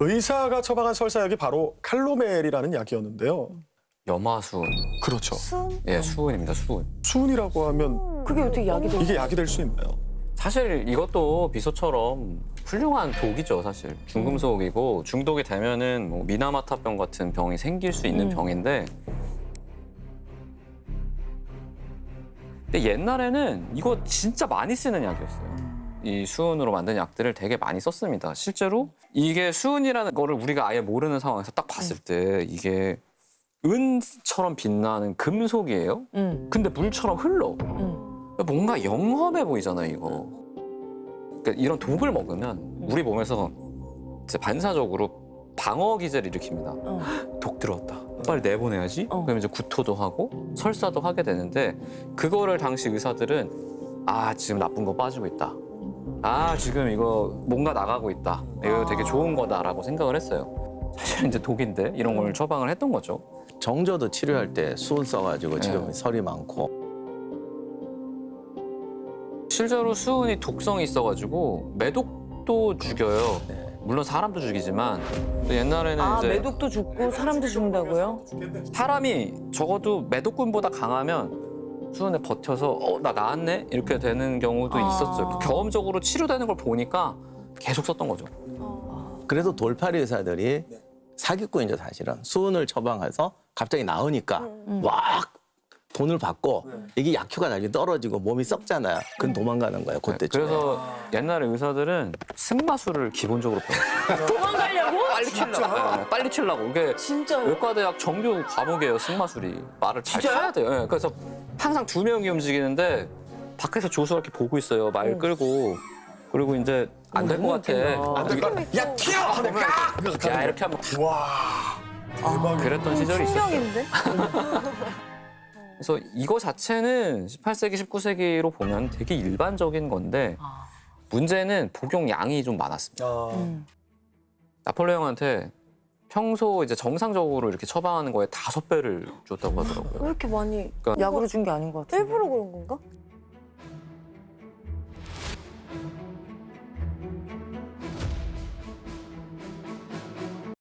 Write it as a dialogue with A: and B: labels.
A: 의사가 처방한 설사약이 바로 칼로멜이라는 약이었는데요.
B: 염화수은.
A: 그렇죠.
C: 순?
B: 예, 수은입니다, 수은.
A: 수은이라고 하면
C: 그게 어떻게 약이 돼?
A: 이게 약이 될 수 있나요?
B: 사실 이것도 비소처럼 훌륭한 독이죠, 사실. 중금속이고 중독이 되면은 뭐 미나마타병 같은 병이 생길 수 있는 병인데. 근데 옛날에는 이거 진짜 많이 쓰는 약이었어요. 이 수은으로 만든 약들을 되게 많이 썼습니다. 실제로 이게 수은이라는 거를 우리가 아예 모르는 상황에서 딱 봤을 때 이게 은처럼 빛나는 금속이에요. 근데 물처럼 흘러. 뭔가 영험해 보이잖아요, 이거. 그러니까 이런 독을 먹으면 우리 몸에서 이제 반사적으로 방어 기제를 일으킵니다. 독 들어왔다. 빨리 내보내야지. 그러면 이제 구토도 하고 설사도 하게 되는데 그거를 당시 의사들은 아, 지금 나쁜 거 빠지고 있다. 아, 지금 이거 뭔가 나가고 있다. 이거 되게 좋은 거다라고 생각을 했어요. 사실은 이제 독인데 이런 걸 처방을 했던 거죠.
D: 정조도 치료할 때 수은 써가지고 지금 설이 많고.
B: 실제로 수은이 독성이 있어가지고 매독도 죽여요. 물론 사람도 죽이지만 또 옛날에는
C: 아,
B: 이제
C: 매독도 죽고 사람도 죽는다고요?
B: 사람이 적어도 매독군보다 강하면 수은에 버텨서 나 나았네 이렇게 되는 경우도 있었어요. 경험적으로 치료되는 걸 보니까 계속 썼던 거죠.
D: 그래도 돌팔이 의사들이 사기꾼이죠, 사실은. 수은을 처방해서 갑자기 나으니까 막 돈을 받고 이게 약효가 나중에 떨어지고 몸이 썩잖아요. 그럼 도망가는 거예요, 그때.
B: 그래서 옛날에 의사들은 승마술을 기본적으로 배웠어요.
C: 도망가려고?
B: 빨리 치려고. 네, 빨리 치려고. 이게
C: 진짜요?
B: 의과대학 정규 과목이에요, 승마술이. 말을 잘
C: 진짜요?
B: 쳐야 돼요. 네, 그래서 항상 두 명이 움직이는데 밖에서 조수가 이렇게 보고 있어요. 말 끌고. 그리고 이제 안 될 것 같아.
A: 야 튀어!
B: 야, 이렇게 하면
A: 와 대박.
B: 그랬던 시절이 있었어요.
C: 충격인데?
B: 그래서 이거 자체는 18세기, 19세기로 보면 되게 일반적인 건데 문제는 복용량이 좀 많았습니다. 나폴레옹한테 평소 이제 정상적으로 이렇게 처방하는 거에 5배를 줬다고 하더라고요.
E: 왜 이렇게 많이
C: 약으로 준 게 아닌 것 같아요.
E: 일부러 그런 건가?